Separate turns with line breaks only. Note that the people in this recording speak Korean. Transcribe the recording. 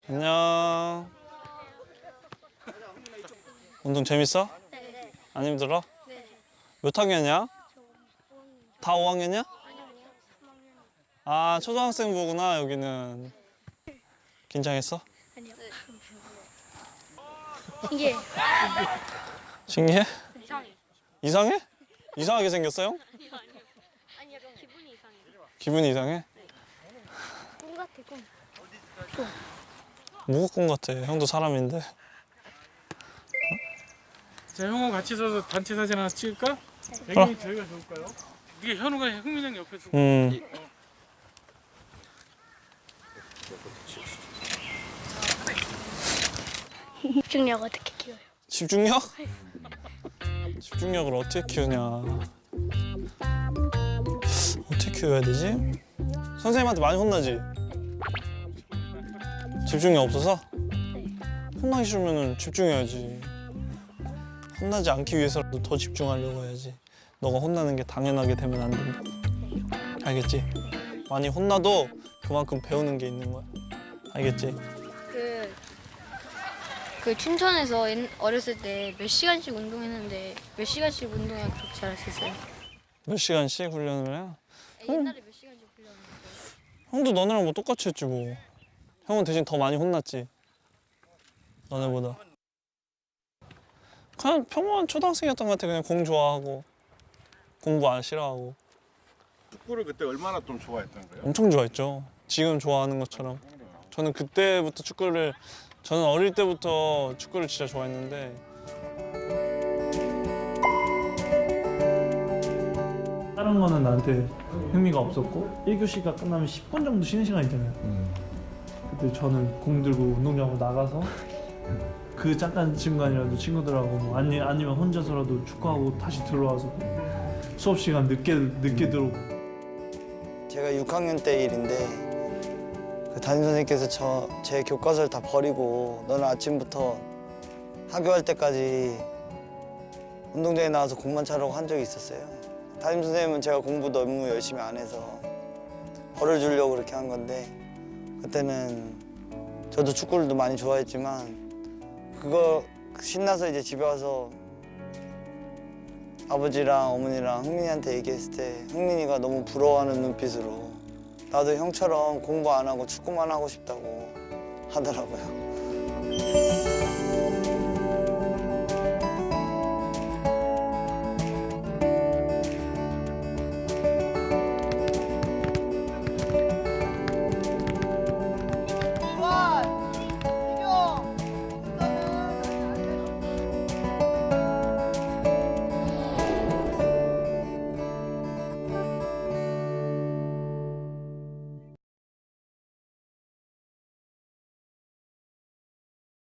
안녕. 운동 재밌어?
네.
안 힘들어?
네.
몇 학년이야? 다 5학년이야?
아니요, 3학년.
아, 초등학생부구나, 여기는. 긴장했어?
아니요. 신기해.
신기해?
이상해.
이상해? 이상하게 생겼어요?
아니요. 아니, 약간 기분이 이상해.
기분이 이상해?
꿈 같아, 꿈.
뭐가 꿈 같아. 형도 사람인데.
자, 형하고 같이 서서 단체 사진 하나 찍을까? 배경이 저희가 좋을까요? 이게 현우가 흥민 형 옆에서
집중력 어떻게 키워요?
집중력? 집중력을 어떻게 키우냐. 어떻게 키워야 되지? 선생님한테 많이 혼나지? 집중력 없어서? 혼나기 싫으면 집중해야지. 혼나지 않기 위해서라도 더 집중하려고 해야지. 너가 혼나는 게 당연하게 되면 안 된다. 알겠지? 많이 혼나도 그만큼 배우는 게 있는 거야. 알겠지?
그 춘천에서 어렸을 때 몇 시간씩 운동했는데 몇 시간씩 운동해야 그렇게 잘할 수 있어요?
몇 시간씩 훈련을 해?
옛날에 몇 시간씩 훈련했어요?
형도 너네랑 뭐 똑같이 했지 뭐. 형은 대신 더 많이 혼났지. 너네보다. 그냥 평범한 초등학생이었던 것 같아. 그냥 공 좋아하고 공부 안 싫어하고.
축구를 그때 얼마나 좀 좋아했던 거예요?
엄청 좋아했죠. 지금 좋아하는 것처럼. 저는 그때부터 저는 어릴 때부터 축구를 진짜 좋아했는데
다른 거는 나한테 흥미가 없었고 1교시가 끝나면 10분 정도 쉬는 시간 있잖아요. 그때 저는 공 들고 운동장으로 나가서 그 잠깐 시간이라도 친구들하고 뭐 아니면 혼자서라도 축구하고 다시 들어와서 수업 시간 늦게 들어오고.
제가 6학년 때 일인데 그 담임선생님께서 제 교과서를 다 버리고 너는 아침부터 학교 갈 때까지 운동장에 나와서 공만 차라고 한 적이 있었어요. 담임선생님은 제가 공부 너무 열심히 안 해서 벌을 주려고 그렇게 한 건데 그때는 저도 축구를 많이 좋아했지만 그거 신나서 이제 집에 와서 아버지랑 어머니랑 흥민이한테 얘기했을 때 흥민이가 너무 부러워하는 눈빛으로 나도 형처럼 공부 안 하고 축구만 하고 싶다고 하더라고요.